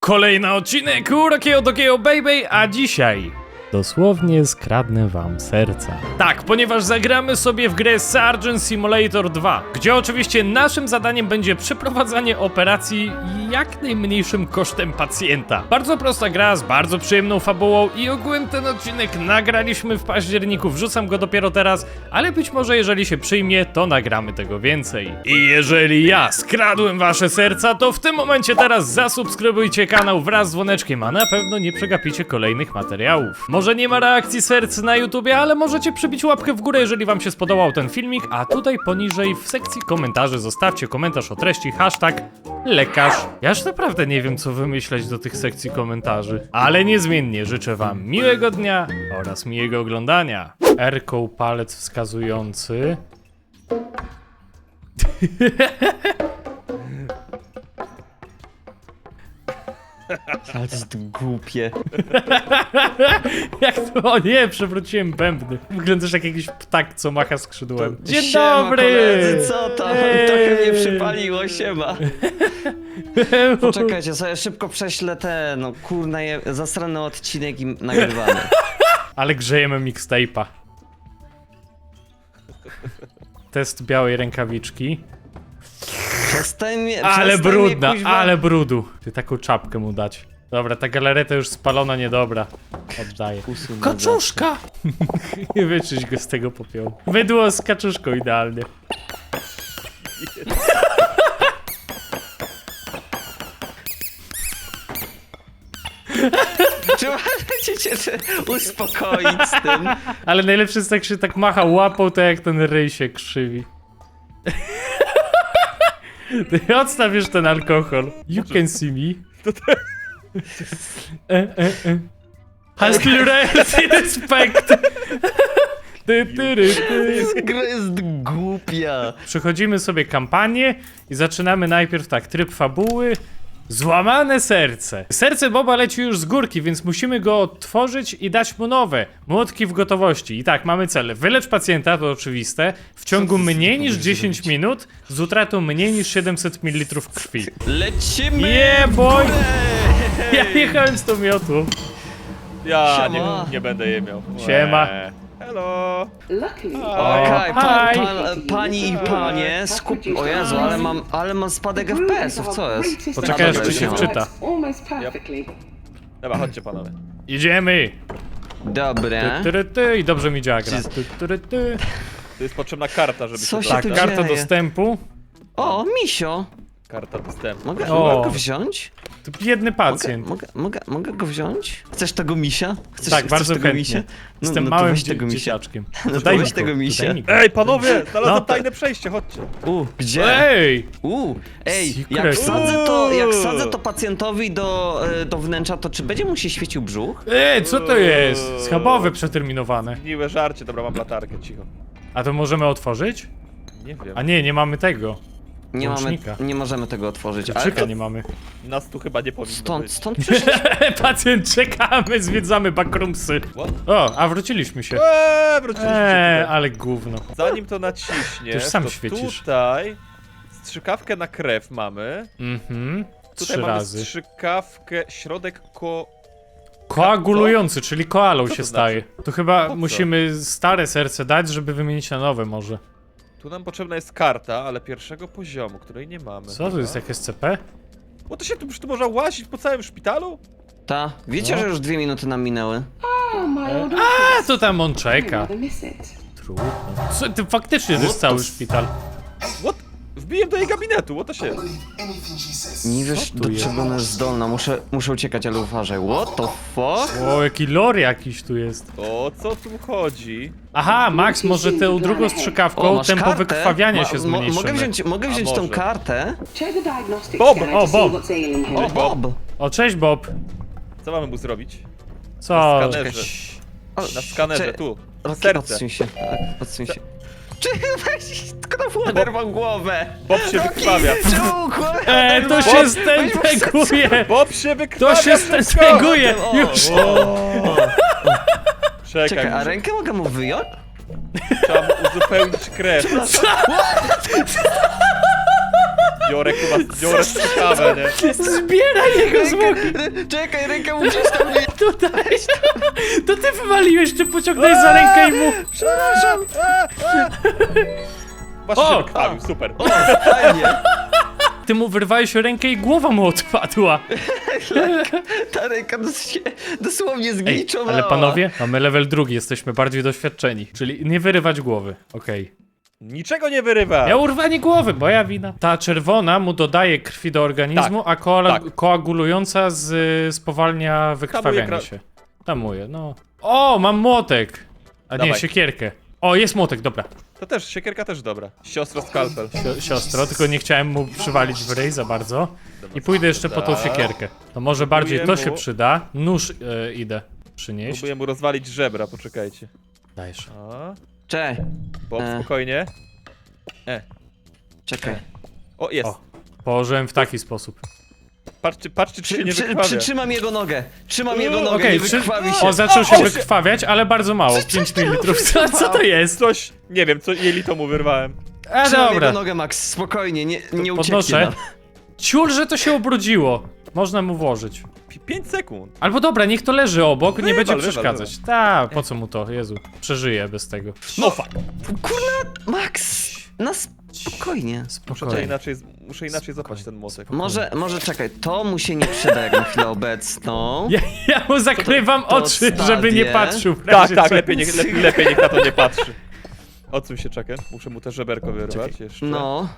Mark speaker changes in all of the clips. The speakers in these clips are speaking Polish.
Speaker 1: kolejny odcinek Urokiego Tokio Baby, a dzisiaj dosłownie skradnę wam serca. Tak, ponieważ zagramy sobie w grę Surgeon Simulator 2, gdzie oczywiście naszym zadaniem będzie przeprowadzanie operacji jak najmniejszym kosztem pacjenta. Bardzo prosta gra z bardzo przyjemną fabułą i ogółem ten odcinek nagraliśmy w październiku, wrzucam go dopiero teraz, ale być może jeżeli się przyjmie, to nagramy tego więcej. I jeżeli ja skradłem wasze serca, to w tym momencie teraz zasubskrybujcie kanał wraz z dzwoneczkiem, a na pewno nie przegapicie kolejnych materiałów. Może nie ma reakcji serc na YouTubie, ale możecie przybić łapkę w górę, jeżeli wam się spodobał ten filmik, a tutaj poniżej w sekcji komentarzy zostawcie komentarz o treści #lekarz. Ja już naprawdę nie wiem, co wymyśleć do tych sekcji komentarzy, ale niezmiennie życzę wam miłego dnia oraz miłego oglądania. R-ką palec wskazujący.
Speaker 2: Ale to jest głupie.
Speaker 1: Jak to? O nie, przewróciłem bębny. Wyglądasz jak jakiś ptak, co macha skrzydłem. Dzień
Speaker 2: Siema,
Speaker 1: dobry!
Speaker 2: koledzy, co tam? Trochę mnie przypaliło, siema. Poczekajcie, sobie szybko prześlę no kurna, zasrany odcinek i nagrywamy.
Speaker 1: Ale grzejemy mixtape'a. Test białej rękawiczki.
Speaker 2: Przestań mnie,
Speaker 1: Ale
Speaker 2: przestań mnie,
Speaker 1: brudna,
Speaker 2: kuźwa.
Speaker 1: ale brudu. Ty taką czapkę mu dać. Dobra, ta galareta już spalona, niedobra. Oddaję.
Speaker 2: Usuń
Speaker 1: Kaczuszka! Nie wyczyść go z tego popiołu. Mydło z kaczuszką idealnie.
Speaker 2: Czy możecie się uspokoić z tym?
Speaker 1: Ale najlepsze jest, jak się tak macha łapą, to jak ten ryj się krzywi. Ty odstawisz ten alkohol. You can see me. Has clearance respect.
Speaker 2: Gra jest głupia.
Speaker 1: Przechodzimy sobie kampanię i zaczynamy najpierw tak, tryb fabuły. Złamane serce. Serce Boba leci już z górki, więc musimy go odtworzyć i dać mu nowe. Młotki w gotowości. I tak, mamy cel. Wylecz pacjenta, to oczywiste, w ciągu mniej niż 10 minut z utratą mniej niż 700 ml krwi.
Speaker 2: Lecimy!
Speaker 1: Yeah, boy!
Speaker 2: w górę!
Speaker 1: Ja jechałem z tą miotłą.
Speaker 3: Ja
Speaker 2: Siema.
Speaker 3: nie będę je miał.
Speaker 1: Siema.
Speaker 3: Hello.
Speaker 2: Okej,
Speaker 1: Hi.
Speaker 2: pani i panie, o Jezu, ale mam spadek FPS-ów, co jest?
Speaker 1: Poczekaj, aż
Speaker 2: Dobra,
Speaker 1: ci się
Speaker 2: już
Speaker 1: wczyta.
Speaker 3: Dobra, chodźcie panowie.
Speaker 1: Idziemy.
Speaker 2: Dobre.
Speaker 1: I dobrze mi działa gra.
Speaker 3: Tu jest potrzebna karta, żeby
Speaker 2: Co
Speaker 3: się
Speaker 2: się
Speaker 1: Tak,
Speaker 2: tu
Speaker 3: dostać.
Speaker 1: karta
Speaker 2: dzieje?
Speaker 1: dostępu.
Speaker 2: O, misio!
Speaker 3: Karta dostępu.
Speaker 2: Mogę
Speaker 1: O.
Speaker 2: go wziąć?
Speaker 1: To biedny pacjent.
Speaker 2: Mogę go wziąć? Chcesz tego misia?
Speaker 1: Tak, bardzo
Speaker 2: tego
Speaker 1: chętnie.
Speaker 2: misia?
Speaker 1: Jestem
Speaker 2: to
Speaker 1: małym
Speaker 2: weź tego misia.
Speaker 1: dzieciaczkiem.
Speaker 2: No to
Speaker 1: daj
Speaker 2: weź
Speaker 1: mi
Speaker 2: tego
Speaker 1: go,
Speaker 2: misia.
Speaker 1: daj mi go.
Speaker 3: Ej, panowie! Znalazłem
Speaker 1: No.
Speaker 3: tajne przejście, chodźcie.
Speaker 2: Gdzie?
Speaker 1: Ej!
Speaker 2: Ej,
Speaker 1: Secret.
Speaker 2: jak wsadzę to pacjentowi do wnętrza, to czy będzie mu się świecił brzuch?
Speaker 1: Ej, co to jest? Schabowe przeterminowane.
Speaker 3: Miłe żarcie, dobra, mam latarkę, cicho.
Speaker 1: A to możemy otworzyć?
Speaker 3: Nie wiem.
Speaker 1: A nie mamy tego.
Speaker 2: Nie możemy tego otworzyć. Ale
Speaker 1: Czyka
Speaker 2: to
Speaker 1: nie mamy.
Speaker 3: Nas tu chyba nie powinno być.
Speaker 2: stąd przyszliśmy.
Speaker 1: Pacjent, czekamy, zwiedzamy backroomsy.
Speaker 3: What?
Speaker 1: O, a wróciliśmy się.
Speaker 3: Wróciliśmy tutaj.
Speaker 1: Ale gówno.
Speaker 3: Zanim to naciśniesz,
Speaker 1: Ty już sam
Speaker 3: to
Speaker 1: świecisz.
Speaker 3: tutaj strzykawkę na krew mamy.
Speaker 1: Mhm.
Speaker 3: Tutaj
Speaker 1: 3
Speaker 3: mamy
Speaker 1: razy.
Speaker 3: strzykawkę, środek
Speaker 1: Koagulujący, czyli koalą
Speaker 3: Co
Speaker 1: się
Speaker 3: to
Speaker 1: staje.
Speaker 3: znaczy?
Speaker 1: To chyba
Speaker 3: Po co?
Speaker 1: musimy stare serce dać, żeby wymienić na nowe może.
Speaker 3: Tu nam potrzebna jest karta, ale pierwszego poziomu, której nie mamy.
Speaker 1: Co to jest, jak SCP?
Speaker 3: Bo to się tu można łazić po całym szpitalu?
Speaker 2: Wiecie,
Speaker 1: No.
Speaker 2: że już 2 minuty nam minęły?
Speaker 1: A, to tam on czeka. Trudno. Co, ty faktycznie to jest cały szpital.
Speaker 3: What? Wbiłem do jej gabinetu, what to się?
Speaker 2: Nie wiesz,
Speaker 1: tu
Speaker 2: do
Speaker 1: jest?
Speaker 2: czego ona jest zdolna. Muszę uciekać, ale uważaj. What the fuck?
Speaker 1: O, jaki lore jakiś tu jest.
Speaker 3: O co tu chodzi?
Speaker 1: Aha, Max, może tę drugą strzykawką
Speaker 2: masz
Speaker 1: tempo
Speaker 2: kartę?
Speaker 1: wykrwawiania się zmniejszymy.
Speaker 2: Mogę wziąć tą
Speaker 3: może.
Speaker 2: kartę?
Speaker 3: Bob!
Speaker 1: O, Bob!
Speaker 2: O, Bob!
Speaker 1: O, cześć Bob.
Speaker 3: Co mamy mu zrobić?
Speaker 1: Co?
Speaker 3: Na skanerze. Na skanerze, tu. Serce.
Speaker 2: Odsuń się, odsuń się. Czy weź, tylko na oderwał głowę!
Speaker 3: Bob się wykrwawia.
Speaker 1: To się stęteguje!
Speaker 3: Bob się wykrwawia!
Speaker 1: To się
Speaker 3: szybko!
Speaker 1: stęteguje! Już!
Speaker 3: Czekaj,
Speaker 2: Czekaj, a
Speaker 3: muszę-
Speaker 2: rękę mogę mu wyjąć?
Speaker 3: trzeba mu uzupełnić krew. Biorę chyba, biorę strzykawę, nie?
Speaker 1: Zbieraj jego zwłoki!
Speaker 2: Czekaj, rękę mu gdzieś tam nie...
Speaker 1: Tutaj! To ty wywaliłeś, czy pociągnąłeś za rękę i mu...
Speaker 2: Przepraszam.
Speaker 3: Właśnie
Speaker 1: O!
Speaker 3: się wykrwawił, super.
Speaker 2: O, fajnie.
Speaker 1: Ty mu wyrwałeś rękę i głowa mu odpadła.
Speaker 2: Ta ręka dosłownie
Speaker 1: Ej,
Speaker 2: zgliczowała.
Speaker 1: ale panowie, mamy level 2, jesteśmy bardziej doświadczeni. Czyli nie wyrywać głowy, okej.
Speaker 3: Niczego nie wyrywa.
Speaker 1: Ja urwanie głowy, moja wina. Ta czerwona mu dodaje krwi do organizmu, a koagulująca spowalnia wykrwawianie
Speaker 3: Tamuje
Speaker 1: się. Tamuje, no. O, mam młotek! A nie,
Speaker 3: Dawaj.
Speaker 1: siekierkę. O, jest młotek, dobra.
Speaker 3: To też, siekierka też dobra. Siostro skalpel.
Speaker 1: Siostro, tylko nie chciałem mu przywalić w ryj za bardzo. I pójdę jeszcze po tą
Speaker 3: Dobra.
Speaker 1: siekierkę. To może bardziej to
Speaker 3: Próbuję
Speaker 1: się
Speaker 3: mu-
Speaker 1: przyda. Nóż idę przynieść.
Speaker 3: Próbuję mu rozwalić żebra, poczekajcie.
Speaker 1: Dajesz.
Speaker 3: O,
Speaker 2: Cześć.
Speaker 3: Bob, spokojnie.
Speaker 2: Czekaj.
Speaker 3: O, jest.
Speaker 1: O. Położyłem w taki sposób.
Speaker 3: Patrzcie, czy się nie wykrwawia.
Speaker 2: Przytrzymam jego nogę. Trzymam jego nogę,
Speaker 1: Okej,
Speaker 2: nie wykrwawi się.
Speaker 1: O, zaczął się
Speaker 3: O,
Speaker 1: wykrwawiać, ale bardzo mało. 5 ml. Co to jest?
Speaker 3: Coś, nie wiem, co jelito mu wyrwałem.
Speaker 1: A
Speaker 2: Trzymam
Speaker 1: dobra.
Speaker 2: jego nogę, Max. Spokojnie, nie ucieknie
Speaker 1: Podnoszę.
Speaker 2: nam.
Speaker 1: Ciul, że to się ubrudziło. Można mu włożyć.
Speaker 3: 5 sekund.
Speaker 1: Albo dobra, niech to leży obok, nie
Speaker 3: Wywal,
Speaker 1: będzie
Speaker 3: wywal,
Speaker 1: przeszkadzać. Ta, po co mu to? Jezu, przeżyje bez tego.
Speaker 3: No fuck.
Speaker 2: Kurna, Max. Na spokojnie.
Speaker 1: Spokojnie.
Speaker 3: Muszę inaczej zapać ten młotek.
Speaker 2: Może czekaj, to mu się nie przyda jak na chwilę obecną.
Speaker 1: Ja mu zakrywam
Speaker 2: to
Speaker 1: oczy, żeby nie
Speaker 2: odstawię.
Speaker 1: patrzył. w
Speaker 3: Tak,
Speaker 1: razie
Speaker 3: tak,
Speaker 1: czego.
Speaker 3: lepiej niech na to nie patrzy. Odsuń się, czekaj. Muszę mu te żeberko wyrwać jeszcze.
Speaker 2: No.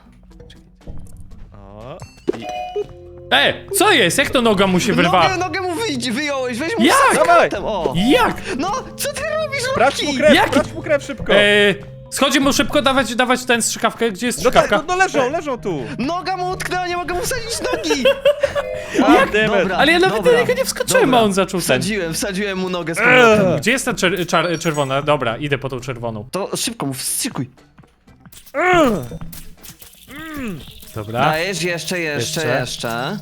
Speaker 3: O. I...
Speaker 1: Co jest? Jak to noga mu się wyrwa?
Speaker 2: Nogę mu wyjąłeś, weź mu
Speaker 1: Jak?
Speaker 2: skarpetem, o.
Speaker 1: Jak?
Speaker 2: No, co ty robisz,
Speaker 3: Brać mu
Speaker 2: Rocky?
Speaker 3: krew,
Speaker 1: Jaki-
Speaker 3: brać mu krew szybko.
Speaker 1: Schodzi mu szybko, dawać ten strzykawkę. Gdzie jest
Speaker 3: No tak,
Speaker 1: strzykawka?
Speaker 3: no leżą tu.
Speaker 2: Noga mu utknęła, nie mogę mu wsadzić nogi.
Speaker 3: Jak?
Speaker 2: Dobra.
Speaker 1: Ale ja nawet
Speaker 2: Dobra,
Speaker 1: do niego nie wskoczyłem, a on zaczął ten.
Speaker 2: Wsadziłem mu nogę z powrotem.
Speaker 1: Gdzie jest ta czerwona? Dobra, idę po tą czerwoną.
Speaker 2: To szybko mu wstrzykuj.
Speaker 1: Dobra.
Speaker 2: Dajesz, jeszcze.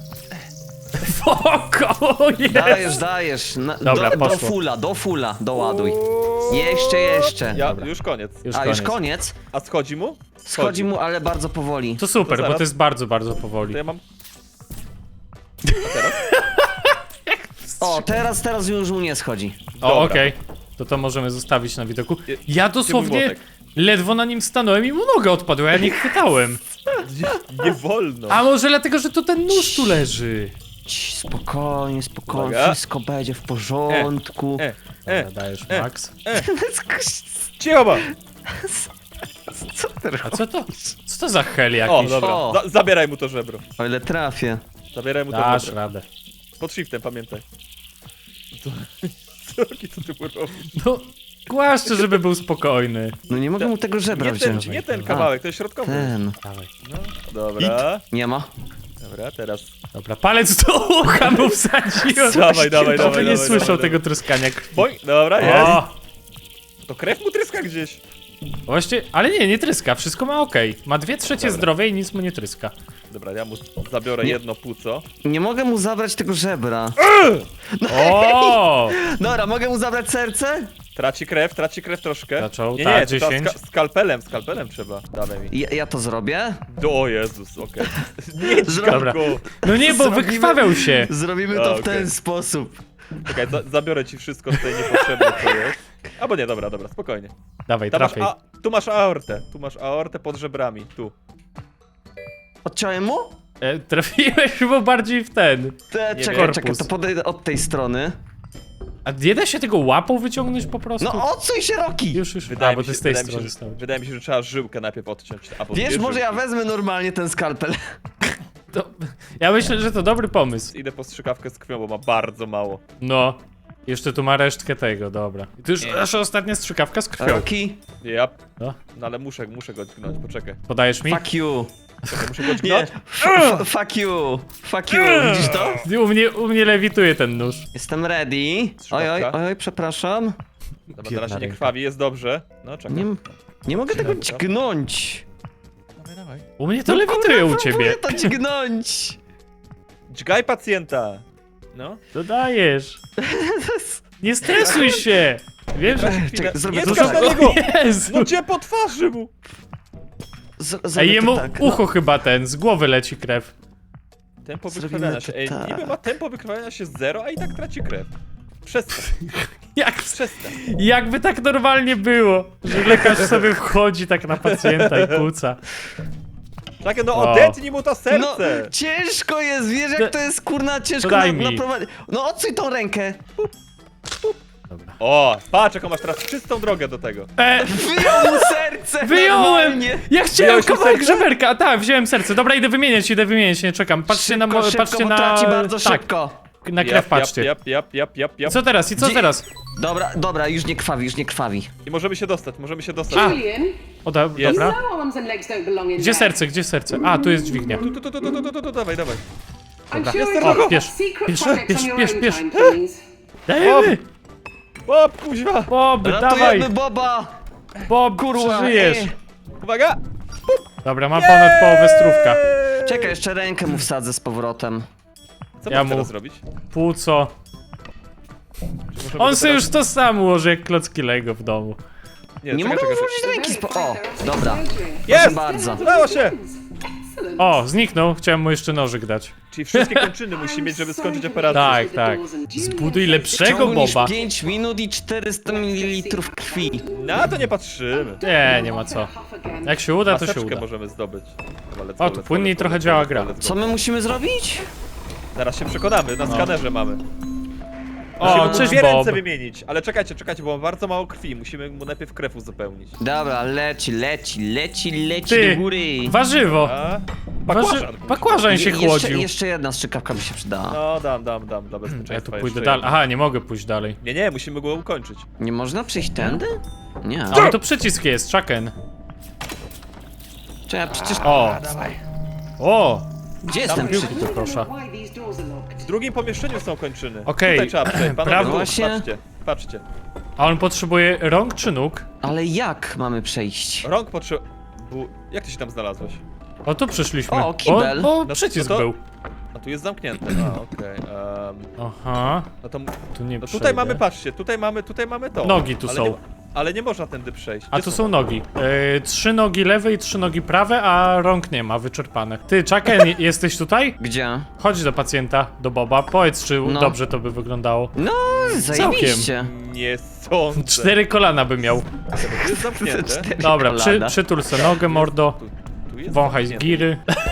Speaker 1: Spoko, jest.
Speaker 2: Dajesz.
Speaker 1: Dobra, poszło.
Speaker 2: Do fulla, doładuj. Jeszcze.
Speaker 3: Ja,
Speaker 1: Dobra.
Speaker 3: już koniec.
Speaker 2: Już koniec.
Speaker 3: A schodzi mu?
Speaker 2: Schodzi mu, ale bardzo powoli.
Speaker 1: To super,
Speaker 3: To
Speaker 1: bo
Speaker 3: zaraz.
Speaker 1: to jest bardzo, bardzo powoli.
Speaker 3: To ja mam...
Speaker 2: O, teraz już mu nie schodzi.
Speaker 1: O,
Speaker 3: Dobra.
Speaker 1: okej. To możemy zostawić na widoku.
Speaker 3: Je-
Speaker 1: Ja
Speaker 3: Gdzie mój
Speaker 1: dosłownie
Speaker 3: młotek?
Speaker 1: ledwo na nim stanąłem i mu noga odpadła, ja nie chwytałem.
Speaker 3: Nie wolno.
Speaker 1: A może dlatego, że to ten nóż tu leży?
Speaker 2: Spokojnie,
Speaker 3: Uwaga.
Speaker 2: wszystko będzie w porządku.
Speaker 1: Dobra, dajesz, Max.
Speaker 3: Cicho, bo.
Speaker 2: Co ty
Speaker 1: A co to? Co to za hel
Speaker 3: O,
Speaker 1: jakiś?
Speaker 3: dobra.
Speaker 2: O.
Speaker 3: Zabieraj mu to żebro.
Speaker 2: O ile trafię.
Speaker 3: Zabieraj mu to
Speaker 1: Dasz
Speaker 3: żebro.
Speaker 1: radę.
Speaker 3: Pod shiftem, pamiętaj. Co ty mu robisz?
Speaker 1: No, głaszczę, żeby był spokojny.
Speaker 2: No nie mogę mu tego żebra wziąć.
Speaker 3: Nie ten kawałek, to jest środkowy.
Speaker 2: Ten.
Speaker 1: Dawaj.
Speaker 3: Dobra.
Speaker 2: Nie ma.
Speaker 3: Dobra, teraz.
Speaker 1: Dobra, palec do ucha mu wsadziłem.
Speaker 3: Dawaj.
Speaker 1: Żeby nie słyszał tego tryskania krwi.
Speaker 3: Boj, dobra, jest.
Speaker 1: O!
Speaker 3: To krew mu tryska gdzieś.
Speaker 1: Właśnie, ale nie tryska, wszystko ma okej. Ma 2/3
Speaker 3: Dobra.
Speaker 1: zdrowia i nic mu nie tryska.
Speaker 3: Dobra, ja mu zabiorę
Speaker 2: Nie.
Speaker 3: jedno płuco.
Speaker 2: Nie mogę mu zabrać tego żebra.
Speaker 1: O!
Speaker 2: Dobra, mogę mu zabrać serce?
Speaker 3: Traci krew troszkę.
Speaker 1: Zaczął,
Speaker 3: nie,
Speaker 1: tak,
Speaker 3: trzeba
Speaker 1: 10.
Speaker 3: skalpelem trzeba. Dawaj mi.
Speaker 2: Ja to zrobię?
Speaker 3: O Jezus, okej. Nie,
Speaker 1: Dobra.
Speaker 3: go.
Speaker 1: No nie, bo
Speaker 2: Zrobimy-
Speaker 1: wykrwawiał się.
Speaker 2: Zrobimy
Speaker 3: A,
Speaker 2: to w
Speaker 3: okej.
Speaker 2: ten sposób.
Speaker 3: Czekaj, zabiorę ci wszystko tutaj niepotrzebne, co jest. Albo nie, dobra, spokojnie.
Speaker 1: Dawaj,
Speaker 3: Tam masz
Speaker 1: trafiaj.
Speaker 3: tu masz aortę pod żebrami, tu.
Speaker 2: Odciąłem mu?
Speaker 1: Trafiłeś chyba bardziej w ten.
Speaker 3: Nie
Speaker 2: Czekaj,
Speaker 1: wiem.
Speaker 2: to podejdę od tej strony.
Speaker 1: A nie da się tego łapą wyciągnąć po prostu?
Speaker 2: No odsuń się, Rocky!
Speaker 1: Już. A, bo ty z tej strony stałeś.
Speaker 3: wydaje mi się, że trzeba żyłkę najpierw odciąć. Albo
Speaker 2: Wiesz,
Speaker 3: dwie
Speaker 2: może ja
Speaker 3: żyłki.
Speaker 2: wezmę normalnie ten skalpel.
Speaker 1: Ja myślę, że to dobry pomysł.
Speaker 3: Idę po strzykawkę z krwią, bo ma bardzo mało.
Speaker 1: No. Jeszcze tu ma resztkę tego, dobra. I to już nasza ostatnia strzykawka z krwią.
Speaker 2: Rocky,
Speaker 3: Ja.
Speaker 1: No.
Speaker 3: No ale muszę go dźgnąć, poczekaj.
Speaker 1: Podajesz mi?
Speaker 2: fuck you.
Speaker 3: Czekaj, muszę go
Speaker 2: Nie,
Speaker 3: dźgnąć?
Speaker 2: fuck you. Fuck you, widzisz to?
Speaker 1: U mnie lewituje ten nóż.
Speaker 2: Jestem ready. Oj, przepraszam.
Speaker 3: Dobra, na razie nie
Speaker 1: ręka.
Speaker 3: krwawi, jest dobrze. No, czekaj.
Speaker 2: Nie mogę tego
Speaker 3: Dobra.
Speaker 2: dźgnąć.
Speaker 3: Dawaj.
Speaker 1: U mnie to lewituje u
Speaker 2: Próbuję
Speaker 1: ciebie.
Speaker 2: to dźgnąć.
Speaker 3: Dźgaj pacjenta. No.
Speaker 1: Dodajesz. Nie stresuj się. Wiem, że...
Speaker 3: Chwilę.
Speaker 2: zrobię
Speaker 3: Nie
Speaker 2: to
Speaker 3: skacz
Speaker 2: tak.
Speaker 3: na niego!
Speaker 1: Jezu.
Speaker 3: No gdzie po twarzy mu?
Speaker 1: Ej, jemu
Speaker 2: tak,
Speaker 1: ucho chyba z głowy leci krew.
Speaker 3: Tempo
Speaker 2: Zrobimy
Speaker 3: wykrwawiania
Speaker 2: to
Speaker 3: się. Ej,
Speaker 2: tak.
Speaker 3: niby ma tempo wykrwawiania się 0, a i tak traci krew. Przestań, przestań.
Speaker 1: Jakby tak normalnie było, że lekarz sobie wchodzi tak na pacjenta i kłóca.
Speaker 3: Czekaj, no
Speaker 1: O.
Speaker 3: odetnij mu to
Speaker 2: No,
Speaker 3: serce!
Speaker 2: ciężko jest, wiesz jak to jest kurna ciężko
Speaker 1: Daj mi.
Speaker 2: naprowadzić. No odsuń tą rękę.
Speaker 1: Dobra.
Speaker 3: O, patrz jaką masz teraz czystą drogę do tego.
Speaker 2: Wyjął mu serce!
Speaker 1: Wyjąłem!
Speaker 2: normalnie.
Speaker 1: Ja chciałem
Speaker 3: Wyjąłeś mu
Speaker 1: kawałek
Speaker 3: serce?
Speaker 1: żeberka, tak, wziąłem serce. Dobra, idę wymieniać, nie czekam. Patrzcie na
Speaker 2: Szybko, szybko,
Speaker 1: patrzcie
Speaker 2: bo
Speaker 1: na...
Speaker 2: traci bardzo
Speaker 1: tak,
Speaker 2: szybko.
Speaker 1: na krew patrzcie.
Speaker 3: Jap.
Speaker 1: Co teraz, i co
Speaker 2: Gdzie-
Speaker 1: teraz?
Speaker 2: Dobra, już nie krwawi.
Speaker 3: I możemy się dostać.
Speaker 1: A.
Speaker 4: Julian,
Speaker 1: O,
Speaker 3: Jest.
Speaker 1: dobra.
Speaker 4: no arms and legs don't belong in
Speaker 1: Gdzie
Speaker 4: there.
Speaker 1: serce? A, tu jest dźwignia.
Speaker 3: Tu, dawaj.
Speaker 4: I'm
Speaker 1: Dobra.
Speaker 4: sure
Speaker 3: Jest
Speaker 4: it's
Speaker 3: drogo.
Speaker 4: got
Speaker 1: Bierz,
Speaker 4: secret
Speaker 1: bierz,
Speaker 4: projects
Speaker 1: bierz,
Speaker 4: on your
Speaker 1: bierz,
Speaker 4: own
Speaker 1: bierz.
Speaker 4: time, please.
Speaker 1: Dajemy!
Speaker 3: O, kuźwa!
Speaker 1: Bob, dawaj!
Speaker 2: Ratujemy Boba!
Speaker 1: Bob,
Speaker 2: Kurwa,
Speaker 1: przeżyjesz!
Speaker 3: Uwaga!
Speaker 1: Dobra, mam ponad połowę strówka.
Speaker 2: Czekaj, jeszcze rękę mu wsadzę z powrotem.
Speaker 3: Co
Speaker 1: Ja
Speaker 3: mam
Speaker 1: mu-
Speaker 3: teraz zrobić?
Speaker 1: Płuco.
Speaker 3: Czy możemy
Speaker 1: On
Speaker 3: to
Speaker 1: sobie
Speaker 3: teraz-
Speaker 1: już to sam ułoży jak klocki Lego w domu.
Speaker 2: Nie
Speaker 3: czekaj,
Speaker 2: mogę
Speaker 3: czekaj.
Speaker 2: użyć ręki z O, dobra.
Speaker 3: Jest!
Speaker 2: Proszę bardzo.
Speaker 3: Udało się!
Speaker 4: Excellent.
Speaker 1: O, zniknął, chciałem mu jeszcze nożyk dać.
Speaker 3: Czyli wszystkie kończyny musi mieć, żeby skończyć operację.
Speaker 1: Tak, tak. Zbuduj lepszego
Speaker 2: Ciągu niż
Speaker 1: Boba.
Speaker 2: 5 minut i 400 ml krwi.
Speaker 3: Na to nie patrzymy.
Speaker 1: Nie ma co. Jak się uda, to się
Speaker 3: Maseczkę
Speaker 1: uda.
Speaker 3: możemy zdobyć. Dobra, let's
Speaker 1: O,
Speaker 3: go,
Speaker 1: tu
Speaker 3: let's
Speaker 1: płynniej
Speaker 3: go,
Speaker 1: trochę
Speaker 3: let's go,
Speaker 1: działa
Speaker 3: let's
Speaker 1: gra.
Speaker 3: go, let's go.
Speaker 2: Co my musimy zrobić?
Speaker 3: Zaraz się przekonamy, na skanerze mamy.
Speaker 1: O,
Speaker 3: Musimy mu
Speaker 1: cześć
Speaker 3: dwie
Speaker 1: Bob.
Speaker 3: ręce wymienić, ale czekajcie, bo mam bardzo mało krwi. Musimy mu najpierw krew uzupełnić.
Speaker 2: Dobra, leci
Speaker 1: Ty,
Speaker 2: do góry.
Speaker 1: warzywo.
Speaker 3: A?
Speaker 1: Bakłażan się chłodził.
Speaker 2: Jeszcze jedna strzykawka by się przydała.
Speaker 3: No, dam, dla bezpieczeństwa.
Speaker 1: Ja tu
Speaker 3: jeszcze
Speaker 1: pójdę
Speaker 3: jedno.
Speaker 1: dalej. Aha, nie mogę pójść dalej.
Speaker 3: Nie, musimy go ukończyć.
Speaker 2: Nie można przejść tędy? Nie.
Speaker 1: Ale to przycisk jest, Chucken.
Speaker 2: Czekaj, przecież...
Speaker 1: O!
Speaker 2: Gdzie jest ten
Speaker 1: piłki
Speaker 2: przy...
Speaker 1: tu proszę.
Speaker 4: Why these doors are locked?
Speaker 3: W drugim pomieszczeniu są kończyny.
Speaker 1: Okej.
Speaker 3: Tutaj trzeba przejść, panowie,
Speaker 1: Prawo.
Speaker 2: Właśnie.
Speaker 3: patrzcie.
Speaker 1: A on potrzebuje rąk czy nóg?
Speaker 2: Ale jak mamy przejść?
Speaker 3: Rąk potrzeba... Jak ty się tam znalazłeś?
Speaker 1: O, tu przyszliśmy.
Speaker 2: O, kibel.
Speaker 1: Bo
Speaker 3: No
Speaker 1: przycisk
Speaker 3: to-
Speaker 1: był.
Speaker 3: A tu jest zamknięte, okej.
Speaker 1: Aha,
Speaker 3: No to...
Speaker 1: tu nie
Speaker 3: No
Speaker 1: przejdę.
Speaker 3: tutaj mamy, patrzcie, tutaj mamy to.
Speaker 1: Nogi tu
Speaker 3: ale
Speaker 1: są.
Speaker 3: Nie, ale nie można tędy przejść.
Speaker 1: A
Speaker 3: Gdzie
Speaker 1: tu są nogi. 3 nogi lewe i 3 nogi prawe, a rąk nie ma, wyczerpane. Ty, Chucken, jesteś tutaj?
Speaker 2: Gdzie?
Speaker 1: Chodź do pacjenta, do Boba. Powiedz, czy
Speaker 2: No.
Speaker 1: dobrze to by wyglądało.
Speaker 2: No, zajebiście.
Speaker 3: Nie sądzę.
Speaker 1: 4 kolana by miał.
Speaker 3: To jest zamknięte.
Speaker 2: Cztery
Speaker 1: Dobra,
Speaker 2: kolana.
Speaker 1: przytul se nogę, mordo.
Speaker 3: Tu jest
Speaker 1: Wąchaj z
Speaker 3: zamknięte.
Speaker 1: giry.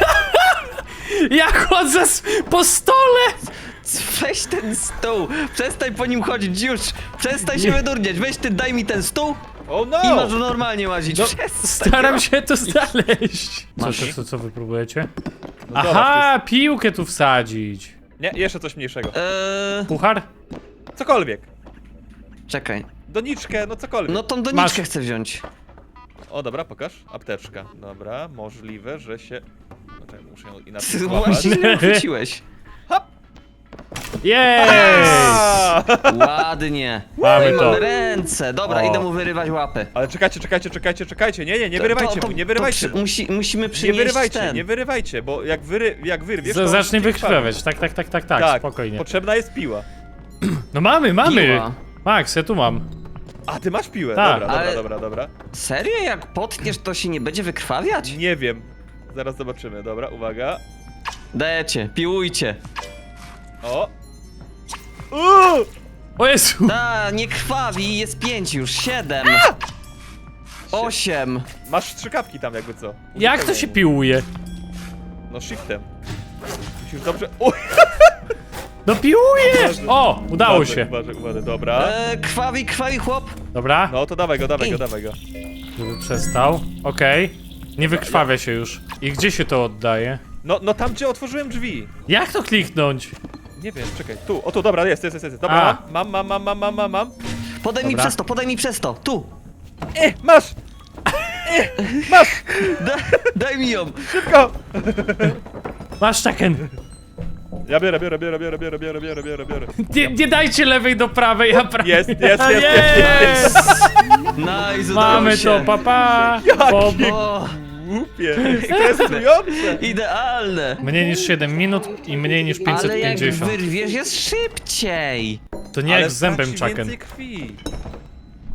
Speaker 1: Ja chodzę po stole!
Speaker 2: Weź ten stół! Przestań po nim chodzić już! Przestań się wydurniać! Weź ty, daj mi ten stół
Speaker 3: Oh no!
Speaker 2: i masz normalnie łazić.
Speaker 1: No,
Speaker 2: Przestań.
Speaker 1: staram się to znaleźć.
Speaker 2: Masz.
Speaker 1: Co wy próbujecie?
Speaker 3: No zobacz,
Speaker 1: Aha, piłkę tu wsadzić.
Speaker 3: Nie, jeszcze coś mniejszego.
Speaker 1: Puchar?
Speaker 3: Cokolwiek.
Speaker 2: Czekaj.
Speaker 3: Doniczkę, no cokolwiek.
Speaker 2: No tą doniczkę
Speaker 1: Masz.
Speaker 2: chcę wziąć.
Speaker 3: O, dobra, pokaż. Apteczka. Dobra, możliwe, że się... Znaczy, muszę ją inaczej
Speaker 2: Ty
Speaker 3: złapać.
Speaker 2: właśnie źle uchwyciłeś.
Speaker 1: Jej!
Speaker 3: A!
Speaker 2: Ładnie.
Speaker 1: Mamy
Speaker 2: No i
Speaker 1: to.
Speaker 2: mamy ręce. Dobra,
Speaker 1: O.
Speaker 2: idę mu wyrywać łapy.
Speaker 3: Ale czekajcie. Nie wyrywajcie mu, nie wyrywajcie mu.
Speaker 2: Musimy
Speaker 3: Nie
Speaker 2: przynieść
Speaker 3: wyrywajcie,
Speaker 2: ten.
Speaker 3: nie wyrywajcie, bo jak wyrwiesz, to
Speaker 1: Zacznie
Speaker 3: on się
Speaker 1: wykrwawiać. Tak, spokojnie.
Speaker 3: Potrzebna jest piła.
Speaker 1: No mamy!
Speaker 2: Piła.
Speaker 1: Max, ja tu mam.
Speaker 3: A, ty masz piłę.
Speaker 1: Tak.
Speaker 3: Dobra, dobra.
Speaker 2: Serio? Jak potniesz, to się nie będzie wykrwawiać?
Speaker 3: Nie wiem. Zaraz zobaczymy. Dobra, uwaga.
Speaker 2: Dajecie, piłujcie.
Speaker 3: O!
Speaker 1: O Jezu!
Speaker 2: Nie krwawi, jest 5 już, 7. 8.
Speaker 3: Masz strzykawki tam jakby co.
Speaker 1: Jak to się piłuje?
Speaker 3: No shiftem. Musisz dobrze... O!
Speaker 1: No piłujesz! O! Udało się.
Speaker 3: Uważaj, dobra.
Speaker 2: Krwawi chłop.
Speaker 1: Dobra,
Speaker 3: No to dawaj go.
Speaker 1: żeby przestał. Okej. Nie wykrwawia się już. I gdzie się to oddaje?
Speaker 3: No tam gdzie otworzyłem drzwi.
Speaker 1: Jak to kliknąć?
Speaker 3: Nie wiem, czekaj. Tu, o tu, dobra, jest. Dobra,
Speaker 1: A.
Speaker 3: mam.
Speaker 2: Podaj mi
Speaker 1: Dobra.
Speaker 2: przez to, tu.
Speaker 3: Masz! Masz!
Speaker 2: Daj mi ją.
Speaker 3: Szybko!
Speaker 1: Masz Chucken!
Speaker 3: Ja biorę.
Speaker 1: Nie dajcie lewej do prawej, a prawej.
Speaker 3: Jest.
Speaker 2: Nice, udało
Speaker 1: Mamy
Speaker 2: się.
Speaker 1: to, papa! Bob.
Speaker 2: O,
Speaker 3: Głupie, stresujące.
Speaker 2: idealne.
Speaker 1: Mniej niż 7 minut i mniej niż
Speaker 2: Ale jak
Speaker 1: 550.
Speaker 2: wyrwiesz, jest szybciej.
Speaker 1: To nie jak z zębem
Speaker 3: straci
Speaker 1: Chucken.
Speaker 3: więcej krwi.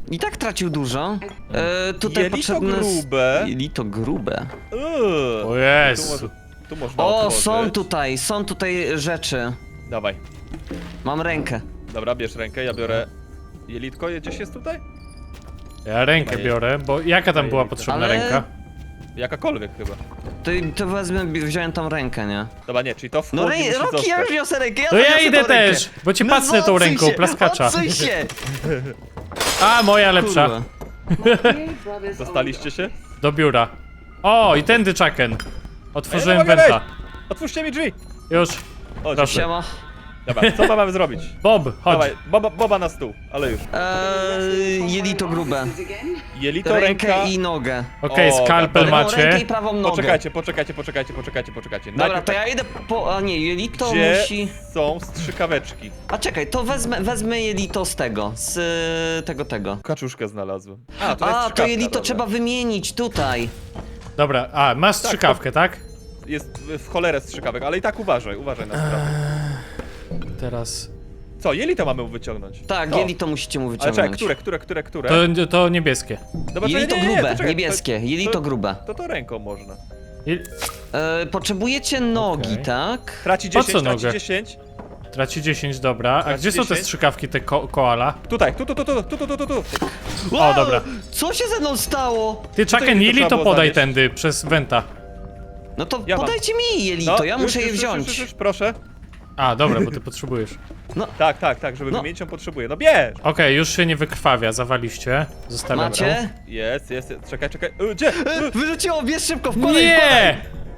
Speaker 2: I tak tracił dużo. Tutaj
Speaker 3: Jelito
Speaker 2: potrzebne...
Speaker 3: grube.
Speaker 2: Jelito grube.
Speaker 1: O Jezu.
Speaker 3: Tu można
Speaker 2: O,
Speaker 3: otworzyć.
Speaker 2: są tutaj rzeczy.
Speaker 3: Dawaj.
Speaker 2: Mam rękę.
Speaker 3: Dobra, bierz rękę, ja biorę... Jelitko gdzieś jest tutaj?
Speaker 1: Ja rękę
Speaker 3: Chyba
Speaker 1: biorę, bo jaka tam była
Speaker 3: jelita.
Speaker 1: potrzebna
Speaker 2: Ale-
Speaker 1: ręka?
Speaker 3: Jakakolwiek chyba.
Speaker 2: To wezmę, wziąłem tam rękę, nie?
Speaker 3: Dobra, nie, czyli to w
Speaker 2: No
Speaker 3: chłodni musi
Speaker 2: Roki, ja
Speaker 3: zostać.
Speaker 2: już niosę rękę,
Speaker 1: To ja
Speaker 2: zaniosę
Speaker 1: idę
Speaker 2: tą rękę.
Speaker 1: też, bo cię pacnę tą
Speaker 2: odsuń
Speaker 1: ręką,
Speaker 2: się,
Speaker 1: plaskacza.
Speaker 2: Odsuń się!
Speaker 1: A, moja lepsza.
Speaker 2: Kurwa.
Speaker 4: My brothers
Speaker 3: Dostaliście się?
Speaker 1: Do biura. O, i tędy czaken. Otworzyłem
Speaker 3: mogę
Speaker 1: wenta.
Speaker 3: wejść. Otwórzcie mi drzwi!
Speaker 1: Już.
Speaker 3: O,
Speaker 1: Proszę.
Speaker 3: dziękuję.
Speaker 2: Siema.
Speaker 3: Dobra, co mamy zrobić?
Speaker 1: Bob, chodź.
Speaker 3: Dawaj, Boba na stół, ale już.
Speaker 2: Jelito grube.
Speaker 4: again.
Speaker 3: Jelito, ręka...
Speaker 2: Rękę i nogę.
Speaker 1: Okej,
Speaker 3: O,
Speaker 1: skalpel
Speaker 3: dobra.
Speaker 2: Lewą rękę
Speaker 1: macie.
Speaker 2: i prawą nogę.
Speaker 3: Poczekajcie.
Speaker 2: Dobra,
Speaker 3: Najpierw
Speaker 2: to
Speaker 3: tak,
Speaker 2: ja idę po... A nie, jelito
Speaker 3: gdzie
Speaker 2: musi...
Speaker 3: są strzykaweczki?
Speaker 2: A czekaj, to wezmę jelito z tego, z tego.
Speaker 3: Kaczuszkę znalazłem. A, to jest
Speaker 2: A, to
Speaker 3: strzykawka,
Speaker 2: jelito
Speaker 3: dobra.
Speaker 2: trzeba wymienić tutaj.
Speaker 1: Dobra, a, masz strzykawkę, tak?
Speaker 3: Jest w cholerę strzykawek, ale i tak uważaj na sprawę.
Speaker 1: Teraz...
Speaker 3: Co, jelito mamy wyciągnąć?
Speaker 2: Tak,
Speaker 3: To.
Speaker 2: jelito musicie mu
Speaker 3: Ale czekaj,
Speaker 2: wyciągnąć.
Speaker 3: które?
Speaker 1: To niebieskie.
Speaker 3: Dobra,
Speaker 2: Jelito
Speaker 3: nie,
Speaker 2: grube,
Speaker 3: to czekaj,
Speaker 2: niebieskie, jelito grube.
Speaker 3: To ręką można.
Speaker 2: Potrzebujecie nogi,
Speaker 1: Okej.
Speaker 2: tak?
Speaker 3: Traci
Speaker 1: Po
Speaker 3: 10,
Speaker 1: co
Speaker 3: traci
Speaker 1: nogę?
Speaker 3: 10.
Speaker 1: Traci 10, dobra. A
Speaker 3: Traci
Speaker 1: gdzie są te
Speaker 3: 10?
Speaker 1: strzykawki, te koala?
Speaker 3: Tutaj, tu.
Speaker 1: O, dobra.
Speaker 2: Co się ze mną stało?
Speaker 1: Ty,
Speaker 3: Tutaj
Speaker 1: czaken,
Speaker 3: to
Speaker 1: Lili,
Speaker 3: trzeba
Speaker 1: to
Speaker 3: było
Speaker 1: podaj
Speaker 3: zanieść.
Speaker 1: tędy, przez wenta.
Speaker 2: No to
Speaker 3: Ja mam.
Speaker 2: podajcie mi jelito, ja muszę je wziąć.
Speaker 3: Już, proszę.
Speaker 1: A, dobra, bo ty potrzebujesz.
Speaker 3: Tak, żeby
Speaker 2: No.
Speaker 3: wymienić ją potrzebuję. No bierz!
Speaker 1: Okej, już się nie wykrwawia, zawaliście. Zostawiam.
Speaker 2: Macie?
Speaker 3: Jest, czekaj. Gdzie?
Speaker 2: Wyrzuciło, bierz szybko, wkładaj, wkładaj.
Speaker 1: Nie!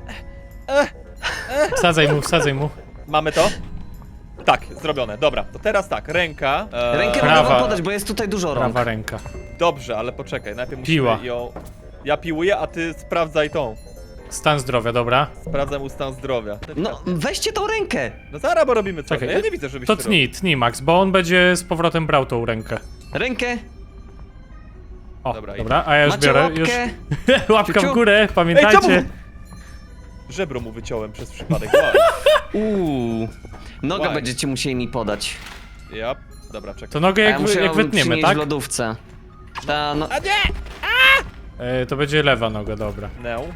Speaker 1: Wsadzaj mu.
Speaker 3: Mamy to? Tak, zrobione, dobra. To teraz tak, ręka.
Speaker 2: Rękę
Speaker 1: Prawa.
Speaker 2: mogę wam podać, bo jest tutaj dużo rąk.
Speaker 1: Prawa ręka.
Speaker 3: Dobrze, ale poczekaj, najpierw musimy
Speaker 1: Piła.
Speaker 3: ją... Ja piłuję, a ty sprawdzaj tą.
Speaker 1: Stan zdrowia, dobra.
Speaker 3: Sprawdzam mu stan zdrowia.
Speaker 2: No, weźcie tą rękę.
Speaker 3: No zaraz, bo robimy coś.
Speaker 1: Czekaj,
Speaker 3: Ja nie widzę, żebyś
Speaker 1: To
Speaker 3: ty
Speaker 1: tnij, Max, bo on będzie z powrotem brał tą rękę.
Speaker 2: Rękę,
Speaker 1: O,
Speaker 3: Dobra,
Speaker 1: dobra, a ja już
Speaker 2: macie
Speaker 1: biorę.
Speaker 2: łapkę.
Speaker 1: Już. Łapka w
Speaker 2: Ciu.
Speaker 1: górę,
Speaker 3: Ej,
Speaker 1: pamiętajcie.
Speaker 3: czemu? Żebro mu wyciąłem przez przypadek. Wow.
Speaker 2: Nogę
Speaker 3: Łaj.
Speaker 2: będziecie musieli mi podać.
Speaker 3: Ja, dobra, czekaj.
Speaker 1: To nogę
Speaker 2: A ja
Speaker 1: jak,
Speaker 2: muszę
Speaker 1: jak
Speaker 2: ją
Speaker 1: wytniemy,
Speaker 2: przynieść
Speaker 1: tak?
Speaker 2: w lodówce. Ta, no,
Speaker 3: A nie!
Speaker 1: To będzie lewa noga, dobra.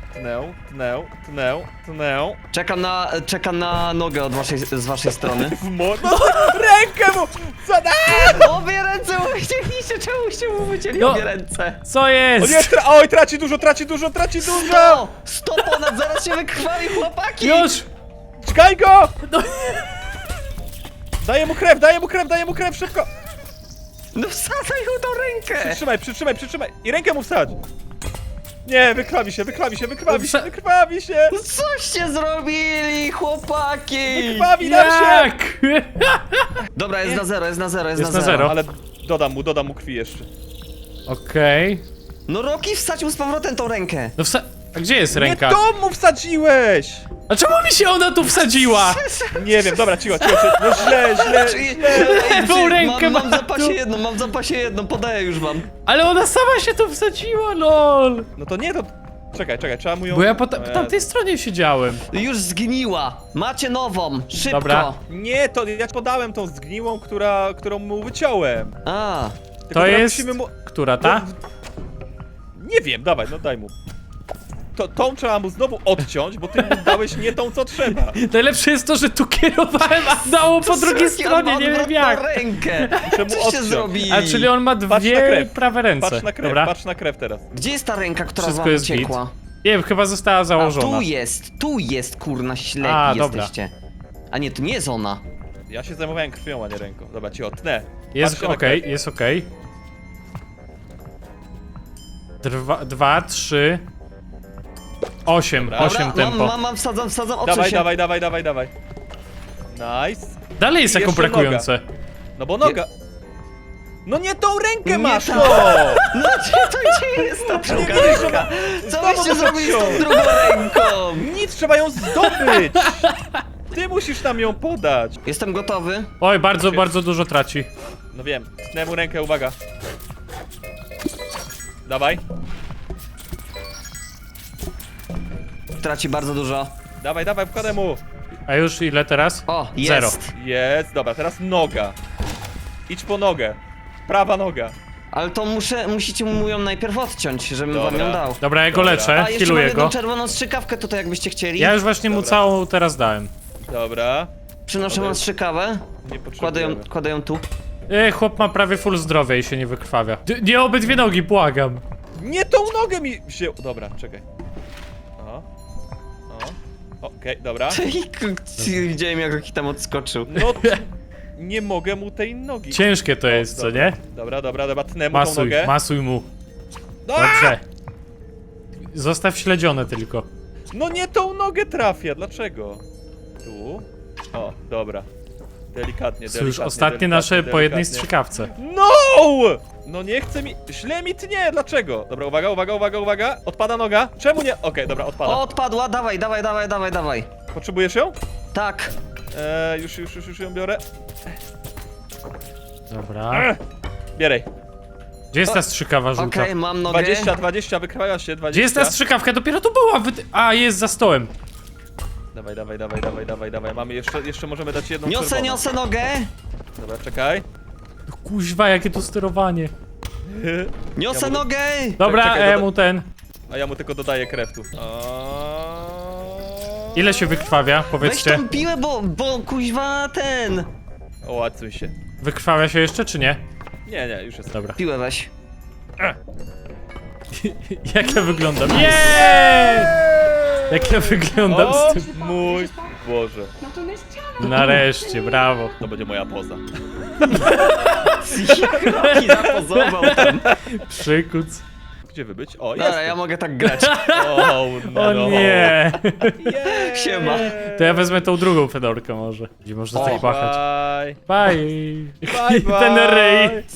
Speaker 3: Tnę.
Speaker 2: czekam na nogę z waszej strony.
Speaker 3: W no, rękę mu! Co da?
Speaker 2: Obie ręce mu wycięliście, czemuście mu wycięli
Speaker 1: No.
Speaker 2: obie ręce?
Speaker 1: Co
Speaker 3: O
Speaker 1: jest?
Speaker 3: nie, oj, traci dużo!
Speaker 2: 100 ponad, zaraz się wykrwawi, chłopaki!
Speaker 1: Już!
Speaker 3: Czekaj go!
Speaker 1: No.
Speaker 3: Daję mu krew, szybko!
Speaker 2: No wsadzaj mu tą rękę!
Speaker 3: Przytrzymaj! I rękę mu wsadź! Nie, wykrwawi się!
Speaker 2: Coście zrobili, chłopaki?
Speaker 3: Wykrwawi nam się!
Speaker 1: Jak?
Speaker 2: Dobra, jest na zero.
Speaker 1: Jest na zero.
Speaker 3: Ale dodam mu krwi jeszcze.
Speaker 1: Okej.
Speaker 2: No Roki, wsadź mu z powrotem tą rękę.
Speaker 1: No a gdzie jest ręka?
Speaker 3: Nie to mu wsadziłeś!
Speaker 1: A czemu mi się ona tu wsadziła?
Speaker 3: Nie wiem, dobra, cicho. No źle.
Speaker 1: Lewą rękę
Speaker 2: mam w
Speaker 1: ma
Speaker 2: zapasie
Speaker 1: tu.
Speaker 2: jedną, podaję już wam.
Speaker 1: Ale ona sama się tu wsadziła, lol.
Speaker 3: No to nie, to... Czekaj, trzeba mu ją...
Speaker 1: Bo ja po tamtej stronie siedziałem.
Speaker 2: Już zgniła. Macie nową, szybko.
Speaker 1: Dobra.
Speaker 3: Nie, to ja podałem tą zgniłą, którą mu wyciąłem.
Speaker 2: A,
Speaker 3: Tylko
Speaker 1: To
Speaker 3: teraz
Speaker 1: jest...
Speaker 3: musimy mu...
Speaker 1: Która ta?
Speaker 3: Nie wiem, dawaj, no daj mu. Tą trzeba mu znowu odciąć, bo ty mu dałeś nie tą, co trzeba.
Speaker 1: Najlepsze jest to, że tu kierowałem, a dało po drugiej
Speaker 2: Roki,
Speaker 1: stronie,
Speaker 2: on ma
Speaker 1: nie wiem
Speaker 2: odwrotną
Speaker 1: jak.
Speaker 2: rękę.
Speaker 3: Muszę mu
Speaker 2: Coście
Speaker 3: odciąć.
Speaker 2: zrobili?
Speaker 1: A czyli on ma
Speaker 3: Patrz na
Speaker 1: dwie
Speaker 3: krew.
Speaker 1: prawe ręce.
Speaker 3: Patrz na krew teraz.
Speaker 2: Gdzie jest ta ręka, która
Speaker 1: Wszystko
Speaker 2: wam
Speaker 1: jest git.
Speaker 2: uciekła?
Speaker 1: Nie wiem, chyba została
Speaker 2: A,
Speaker 1: założona.
Speaker 2: tu jest, kurna, ślepi
Speaker 1: A, dobra.
Speaker 2: jesteście. A nie, to nie jest ona.
Speaker 3: Ja się zajmowałem krwią, a nie ręką. Dobra, ci odtnę.
Speaker 1: Jest
Speaker 3: Patrzcie na
Speaker 1: okej,
Speaker 3: krew.
Speaker 1: jest okej. 2, 3... 8
Speaker 3: Dobra.
Speaker 1: tempo.
Speaker 2: Mam, wsadzam, odsuń się.
Speaker 3: Dawaj. Nice.
Speaker 1: Dalej jest jako
Speaker 3: Jeszcze
Speaker 1: brakujące.
Speaker 3: No bo noga... No nie tą rękę
Speaker 2: Nie
Speaker 3: masz,
Speaker 2: ta.
Speaker 3: no!
Speaker 2: No gdzie jest ta druga
Speaker 3: widzisz,
Speaker 2: ręka? Co
Speaker 3: znowu
Speaker 2: byście zrobili z tą
Speaker 3: odciął.
Speaker 2: drugą ręką?
Speaker 3: Nic, trzeba ją zdobyć! Ty musisz nam ją podać.
Speaker 2: Jestem gotowy.
Speaker 1: Oj, bardzo dużo traci.
Speaker 3: No wiem, tnę mu rękę, uwaga. Dawaj,
Speaker 2: Traci bardzo dużo.
Speaker 3: dawaj, wkładaj mu.
Speaker 1: A już ile teraz?
Speaker 2: O,
Speaker 1: Zero.
Speaker 2: jest.
Speaker 3: Jest, dobra, teraz noga. Idź po nogę. Prawa noga.
Speaker 2: Ale to musicie mu ją najpierw odciąć, żebym wam
Speaker 3: Dobra.
Speaker 2: ją dał.
Speaker 1: Dobra, ja go
Speaker 3: Dobra.
Speaker 1: leczę,
Speaker 2: A, jeszcze mam
Speaker 1: healuję
Speaker 2: jedną
Speaker 1: go.
Speaker 2: czerwoną strzykawkę tutaj, jakbyście chcieli.
Speaker 1: Ja już właśnie mu
Speaker 3: Dobra.
Speaker 1: całą teraz dałem.
Speaker 3: Dobra.
Speaker 2: Przynoszę
Speaker 3: Dobra.
Speaker 2: wam strzykawę.
Speaker 3: Nie
Speaker 2: Kładę ją tu.
Speaker 1: Chłop ma prawie full zdrowia i się nie wykrwawia. Nie obydwie nogi, błagam.
Speaker 3: Nie tą nogę mi się... Dobra, czekaj. O. Okej, dobra.
Speaker 2: Widziałem, jak Roki tam odskoczył.
Speaker 3: No, nie mogę mu tej nogi.
Speaker 1: Ciężkie to jest, co
Speaker 3: dobra.
Speaker 1: nie?
Speaker 3: Dobra, tnę mu tą
Speaker 1: Masuj,
Speaker 3: nogę.
Speaker 1: masuj mu.
Speaker 3: No,
Speaker 1: Dobrze. Zostaw śledzione tylko.
Speaker 3: no nie tą nogę trafia, dlaczego? Tu. O, dobra. Delikatnie,
Speaker 1: To już ostatnie nasze po jednej strzykawce.
Speaker 3: No! No nie chce mi... Źle mi tnie, dlaczego? Dobra, uwaga. Odpada noga. Czemu nie? Okej, dobra, odpada.
Speaker 2: O, odpadła, dawaj.
Speaker 3: Potrzebujesz ją?
Speaker 2: Tak.
Speaker 3: Już ją biorę.
Speaker 1: Dobra.
Speaker 3: Bieraj.
Speaker 1: Gdzie jest ta strzykawa żółta?
Speaker 2: Okej, mam nogę.
Speaker 3: 20, wykraja się, 20.
Speaker 1: Gdzie jest ta strzykawka? Dopiero tu była! A, jest za stołem.
Speaker 3: Dawaj. Mamy jeszcze możemy dać jedną czerwoną.
Speaker 2: Niosę nogę.
Speaker 3: Dobra, czekaj.
Speaker 1: Kuźwa, jakie to sterowanie.
Speaker 2: Niosę
Speaker 3: Ja mu-
Speaker 2: nogę.
Speaker 1: Dobra,
Speaker 3: czekaj,
Speaker 1: mu ten.
Speaker 3: A ja mu tylko dodaję krew tu.
Speaker 1: Ile się wykrwawia?
Speaker 2: Weź
Speaker 1: Powiedzcie.
Speaker 2: tą piłę, bo kuźwa ten.
Speaker 3: O, łacuj się.
Speaker 1: Wykrwawia się jeszcze, czy nie?
Speaker 3: Nie, już jest.
Speaker 1: Dobra.
Speaker 2: Piłę weź.
Speaker 1: Jak ja wyglądam? Nie! Jak ja wyglądam
Speaker 3: O,
Speaker 1: z tym?
Speaker 3: mój Boże.
Speaker 4: Not on this channel.
Speaker 1: Nareszcie, brawo.
Speaker 3: To będzie moja poza.
Speaker 2: Roki zapozował tam.
Speaker 1: Przykuc.
Speaker 3: Gdzie wy być? O,
Speaker 2: Dobra,
Speaker 3: jest.
Speaker 2: ja mogę tak grać.
Speaker 3: O, no.
Speaker 1: O nie!
Speaker 2: Siema.
Speaker 1: To ja wezmę tą drugą fedorkę może. Gdzie można tak
Speaker 2: O,
Speaker 1: pachać.
Speaker 3: Bye.
Speaker 1: Bye!
Speaker 3: Bye, bye.
Speaker 1: Ten ryj.